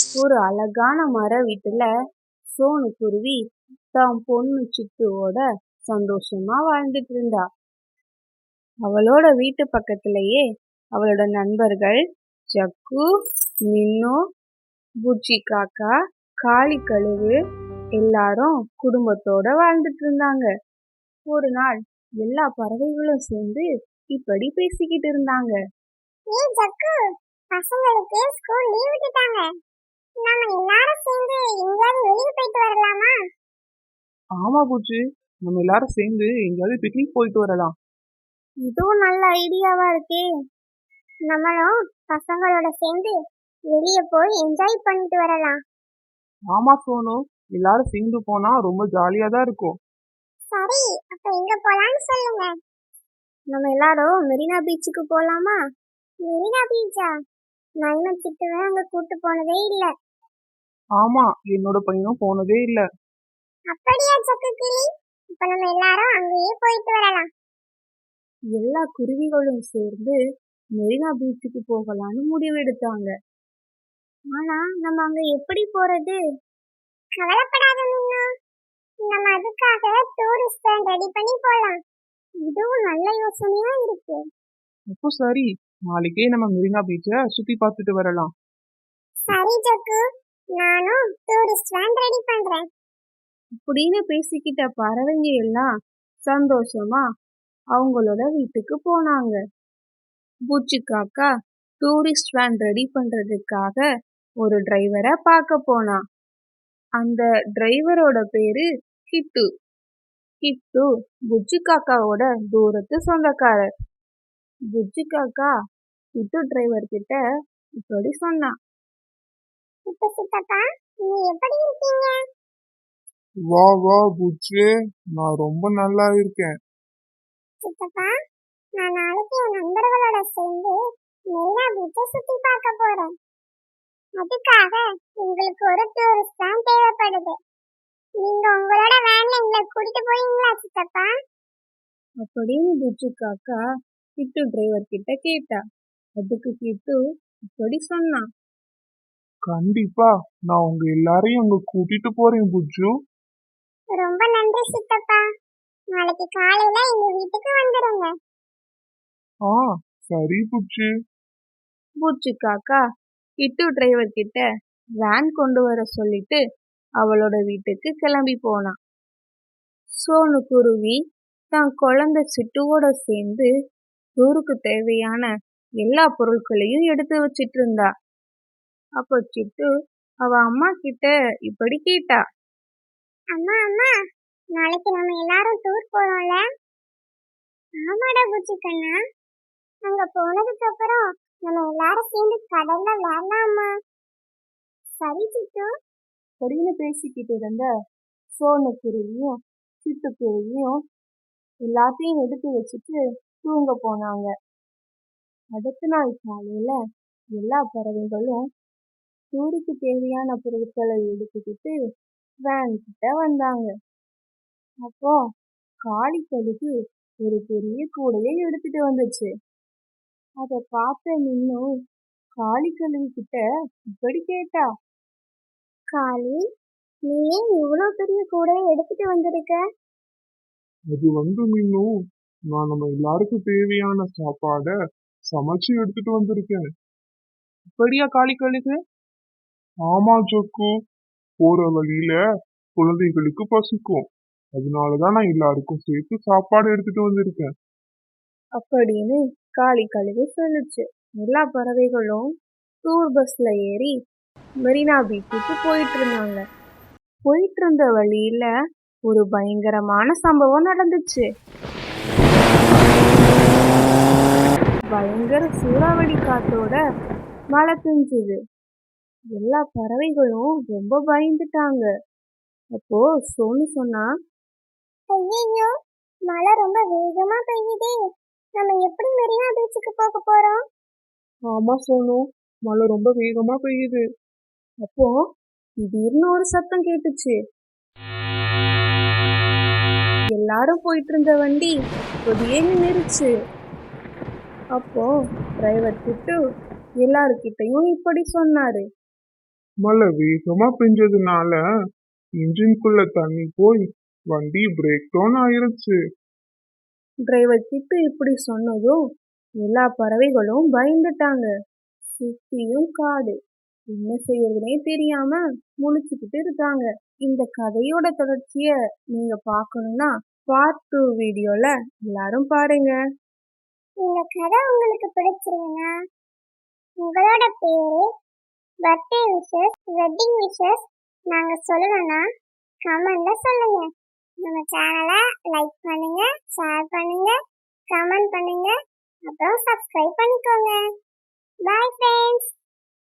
ஒரு அழகான மர வீட்டுல சோனு குருவி தான் பொண்ணு சிட்டுவோட சந்தோஷமா வாழ்ந்துட்டு இருந்தா. அவளோட வீட்டு பக்கத்திலேயே அவளோட நண்பர்கள் ஜக்கு, மின்னு, புச்சி காக்கா, காளி கழுகு எல்லாரும் குடும்பத்தோட வாழ்ந்துட்டு இருந்தாங்க. ஒரு நாள் எல்லா பறவைகளும் சேர்ந்து இப்படி பேசிக்கிட்டு இருந்தாங்க. ஏய் ஜக்கு, பசங்களுக்கு ஸ்கூல் லீவ் விட்டுட்டாங்க. நாம எல்லாரும் சேர்ந்து எங்கயாவது வெளிய போயிட்டு வரலாமா? ஆமா பூச்சி, நம்ம எல்லாரும் சேர்ந்து எங்கேயாவது பிக்னிக் போயிட்டு வரலாம். இதுவும் நல்ல ஐடியாவா இருக்கே. நம்மளும் பசங்களோட சேர்ந்து வெளிய போய் என்ஜாய் பண்ணிட்டு வரலாம். ஆமா சோனு, எல்லாரும் சேர்ந்து போனா ரொம்ப ஜாலியா தான் இருக்கும். சரி, அப்ப எங்க போலாம்னு சொல்லுங்க. நம்ம எல்லாரும் மெரினா பீச்சுக்கு போலாமா? மெரினா பீச்சா? நான் சிட்டுவை அங்க கூட்டு போனதே இல்ல. ஆமா, என்னோட பையனும் போனதே இல்ல. அப்படியா ஜக்கு கிளி? இப்ப நம்ம எல்லாரும் அங்கேயே போயிட்டு வரலாம். எல்லா குருவிகளும் சேர்ந்து மெரினா பீச்சுக்கு போகலான்னு முடிவெடுத்தாங்க. ஆனா நம்ம அங்க எப்படி போறது? கவலைப்படாத மின்னு, நம்ம அதுக்காக டூரிஸ்ட் வேன் ரெடி பண்ணி போலாம். இதுவும் நல்ல யோசனையா இருக்கு. அப்போ சரி, நாளைக்கே நம்ம மெரினா பீச்சை சுத்தி பார்த்துட்டு வரலாம். சரி ஜக்கு, நானும் டூரிஸ்ட் வேன் ரெடி பண்றேன். அப்படின்னு பேசிக்கிட்ட பறவைங்க எல்லாம் சந்தோஷமா அவங்களோட வீட்டுக்கு போனாங்க. பூச்சி காக்கா டூரிஸ்ட் வேன் ரெடி பண்றதுக்காக ஒரு டிரைவரை பார்க்க போனான். அந்த டிரைவரோட பேரு கிட்டு. கிட்டு புச்சி காக்காவோட தூரத்து சொந்தக்காரர். புச்சி காக்கா கிட்டு டிரைவர் கிட்ட இப்படி சொன்னான். இப்ப சித்தப்பா, நீங்க எப்படி இருக்கீங்க? வா வா புச்சு, நான் ரொம்ப நல்லா இருக்கேன். சித்தப்பா, நான் நாளைக்கு என் நண்பர்களோட சேர்ந்து மெரினா பீச்சை சுத்தி பார்க்க போறேன். அதுக்காக உங்களுக்கு ஒரு டூரிஸ்ட் வேன் தேவைப்படுது. நீங்க உங்களோட வேன்ல எங்களை கூட்டிட்டு போவீங்களா சித்தப்பா? அப்படின்னு புச்சு காக்கா கிட்டு டிரைவர் கிட்ட கேட்டா. அதுக்கு கிட்டு இப்படி சொன்னான். கண்டிப்பா, நான் உங்க எல்லாரையும் அங்க கூட்டிட்டு போறேன் புச்சு. ரொம்ப நன்றி சித்தப்பா. நாளைக்கு காலையில எங்க வீட்டுக்கு வந்துடுங்க. ஆ சரி புச்சு. பூச்சி காக்கா கிட்டு டிரைவர் கிட்ட வேன் கொண்டு வர சொல்லிட்டு அவளோட வீட்டுக்கு கிளம்பி போனான். சோனு குருவி தான் குழந்தை சிட்டுவோட சேர்ந்து டூருக்கு தேவையான எல்லா பொருட்களையும் எடுத்து வச்சிட்டு இருந்தா. அப்போ சிட்டு அவ அம்மா கிட்ட இப்படி கேட்டா. அம்மா அம்மா, நாளைக்கு நம்ம எல்லாரும் டூர் போறோம்ல? ஆமாடா புச்சு கண்ணா, அங்க போனதுக்கு அப்புறம் நம்ம எல்லாரும் சேர்ந்து கடல்ல விளையாடலாமா? சரி சிட்டு. அப்படின்னு பேசிக்கிட்டு இருந்த சோனு குருவியும் சிட்டுக்குருவியும் எல்லாத்தையும் எடுத்து வச்சுட்டு தூங்க போனாங்க. அடுத்த நாள் காலையில எல்லா பறவைகளும் டூருக்கு தேவையான பொருட்களை எடுத்துக்கிட்டு வேன் கிட்ட வந்தாங்க. அப்போ காளி கழுகு ஒரு பெரிய கூடையை எடுத்துட்டு வந்துச்சு. அதை பார்த்த மின்னும் காளி கழுகு கிட்ட இப்படி கேட்டா. காளி, நீ ஏன் இவ்வளவு பெரிய கூடையை எடுத்துட்டு வந்திருக்க? அது மீனும், நான் நம்ம எல்லாருக்கும் தேவையான சாப்பாட சமைச்சு எடுத்துட்டு வந்திருக்கேன். அப்படியா காளி கழுகு? ஆமா ஜக்கு, போற வழியில குழந்தைகளுக்கு பசிக்கும், அதனாலதான் நான் எல்லாருக்கும் சேர்த்து சாப்பாடு எடுத்துட்டு வந்திருக்கேன். அப்படின்னு காளி கழுகு சொல்லுச்சு. எல்லா பறவைகளும் டூர் பஸ்ல ஏறி மெரினா பீச்சுக்கு போயிட்டு இருந்தாங்க. போயிட்டு இருந்த வழியில ஒரு பயங்கரமான சம்பவம் நடந்துச்சு. பயங்கர சூறாவளி காத்தோட மழை பெஞ்சுது. எல்லா பறவைகளும் ரொம்ப பயந்துட்டாங்க. அப்போ சோனு சொன்னா. ஐயோ, மழை ரொம்ப வேகமா பெய்யுதே. நம்ம எப்படி மெரினா பீச்சுக்கு போக போறோம்? ஆமா சோனு, மழை ரொம்ப வேகமா பெய்யுது. அப்போ திடீர்னு ஒரு சத்தம் கேட்டுச்சு. எல்லாரும் போயிட்டு இருந்த வண்டி கொடியே நின்னுருச்சு. அப்போ டிரைவர் கிட்டு எல்லாருக்கிட்டையும் இப்படி சொன்னாரு. மழை வேகமா பெஞ்சதுனால இன்ஜின்குள்ள தண்ணி போய் வண்டி பிரேக் டவுன் ஆயிருச்சு. டிரைவர் கிட்ட இப்படி சொன்னதும் எல்லா பறவைகளும் பயந்துட்டாங்க. சுத்தியும் காடு. என்ன செய்யறதுனே தெரியாம முழிச்சுக்கிட்டு இருக்காங்க. இந்த கதையோட தொடர்ச்சிய நீங்க பார்க்கணும்னா பார்ட் 2 வீடியோல எல்லாரும் பாருங்க. இந்த கதை உங்களுக்கு பிடிச்சிருந்தா உங்களோட பேரு, பர்த்டே விஷஸ், வெட்டிங் விஷஸ் நாங்க சொல்லணும்னா கமெண்ட்ல சொல்லுங்க. நம்ம சேனலை லைக் பண்ணுங்க, ஷேர் பண்ணுங்க, கமெண்ட் பண்ணுங்க, அப்புறம் சப்ஸ்கிரைப் பண்ணிக்கோங்க. Bye friends.